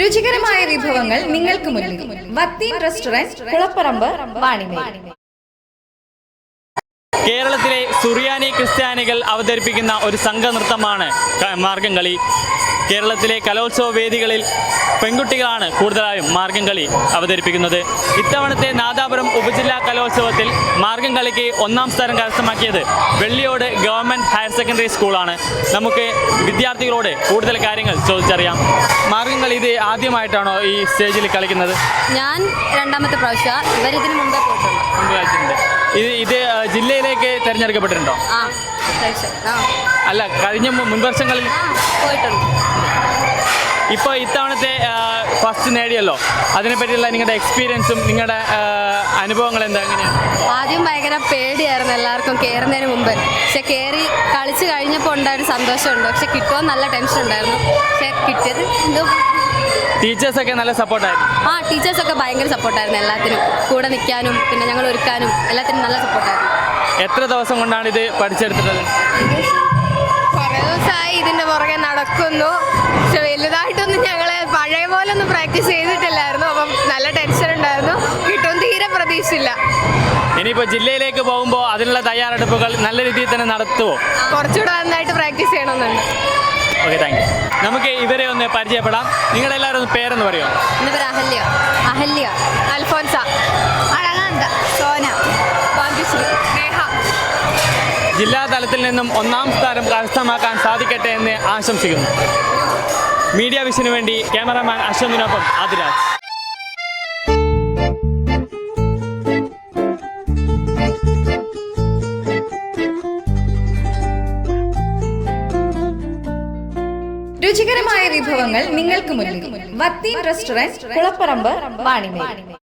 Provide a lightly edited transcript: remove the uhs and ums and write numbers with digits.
രുചികരമായ വിഭവങ്ങൾ നിങ്ങൾക്ക് മുന്നിൽ. വത്തീൻ റെസ്റ്റോറന്റ്, കുളപ്പറമ്പ്, വാണിമേൽ. കേരളത്തിലെ സുറിയാനി ക്രിസ്ത്യാനികൾ അവതരിപ്പിക്കുന്ന ഒരു സംഘനൃത്തമാണ് മാർഗംകളി. കേരളത്തിലെ കലോത്സവ വേദികളിൽ പെൺകുട്ടികളാണ് കൂടുതലായും മാർഗംകളി അവതരിപ്പിക്കുന്നത്. ഇത്തവണത്തെ നാദാപുരം ഉപജില്ലാ കലോത്സവത്തിൽ മാർഗംകളിക്ക് 1ാം സ്ഥാനം കരസ്ഥമാക്കിയത് വെള്ളിയോട് ഗവൺമെൻറ് ഹയർ സെക്കൻഡറി സ്കൂളാണ്. നമുക്ക് വിദ്യാർത്ഥികളോട് കൂടുതൽ കാര്യങ്ങൾ ചോദിച്ചറിയാം. മാർഗംകളി ഇത് ആദ്യമായിട്ടാണോ ഈ സ്റ്റേജിൽ കളിക്കുന്നത്? ഞാൻ 2ാമത്തെ പ്രാവശ്യം. ഇവരിതിന് മുമ്പേ പോയിട്ടുണ്ട്. ഇത് ജില്ലയിലേക്ക് തിരഞ്ഞെടുക്കപ്പെട്ടിട്ടുണ്ടോ? അല്ല, കഴിഞ്ഞ മുൻവർഷങ്ങളിൽ പോയിട്ടുണ്ട്. ഇപ്പോൾ ഇത്തവണത്തെ ഫസ്റ്റ് നേടിയല്ലോ, അതിനെപ്പറ്റിയുള്ള നിങ്ങളുടെ എക്സ്പീരിയൻസും നിങ്ങളുടെ അനുഭവങ്ങൾ എന്താ? എങ്ങനെയാണ്? ആദ്യം ഭയങ്കര പേടിയായിരുന്നു എല്ലാവർക്കും കയറുന്നതിന് മുമ്പ്. പക്ഷെ കയറി കളിച്ച് കഴിഞ്ഞപ്പോൾ ഉണ്ടായൊരു സന്തോഷമുണ്ട്. പക്ഷെ കിട്ടുമോ നല്ല ടെൻഷൻ ഉണ്ടായിരുന്നു. പക്ഷെ കിട്ടിയത് എന്തോ. ടീച്ചേഴ്സൊക്കെ നല്ല സപ്പോർട്ടായിരുന്നു? ടീച്ചേഴ്സൊക്കെ ഭയങ്കര സപ്പോർട്ടായിരുന്നു. എല്ലാത്തിനും കൂടെ നിൽക്കാനും പിന്നെ ഞങ്ങൾ ഒരുക്കാനും എല്ലാത്തിനും നല്ല സപ്പോർട്ടായിരുന്നു. എത്ര ദിവസം കൊണ്ടാണ് ഇത് പഠിച്ചെടുത്തത്? കുറേ ദിവസമായി ഇതിൻ്റെ പുറകെ നടക്കുന്നു. പക്ഷെ വലുതായിട്ടൊന്നും ഞങ്ങൾ പഴയ പോലെ ഒന്നും പ്രാക്ടീസ് ചെയ്തിട്ടില്ലായിരുന്നു. അപ്പം നല്ല ടെൻഷൻ ഉണ്ടായിരുന്നു. കിട്ടും തീരെ പ്രതീക്ഷയില്ല. ഇനിയിപ്പോൾ ജില്ലയിലേക്ക് പോകുമ്പോൾ അതിനുള്ള തയ്യാറെടുപ്പുകൾ നല്ല രീതിയിൽ തന്നെ നടത്തുമോ? കുറച്ചുകൂടെ നന്നായിട്ട് പ്രാക്ടീസ് ചെയ്യണമെന്നുണ്ട്. Okay, thank you. നമുക്ക് ഇവരെ ഒന്ന് പരിചയപ്പെടാം. നിങ്ങളെല്ലാവരും ഒന്ന് പേരെന്ന് പറയുമോ? എൻ്റെ പേര് അഹല്യ. അഹല്യ. അൽഫോൻസ. അഴകാന്ത. സോന. ഭാഗ്യശ്രീ. നേഹ. ജില്ലാ തലത്തിൽ നിന്നും 1ാം സ്ഥാനം കരസ്ഥമാക്കാൻ സാധിക്കട്ടെ എന്ന് ആശംസിക്കുന്നു. മീഡിയ വിഷന് വേണ്ടി ക്യാമറാമാൻ അശ്വന്തിനൊപ്പം ആദിരാജ്. രുചികരമായ വിഭവങ്ങൾ നിങ്ങൾക്ക് മുന്നിൽ. വത്തീൻ റെസ്റ്റോറന്റ്, കുളപ്പറമ്പ്, വാണിമേൽ.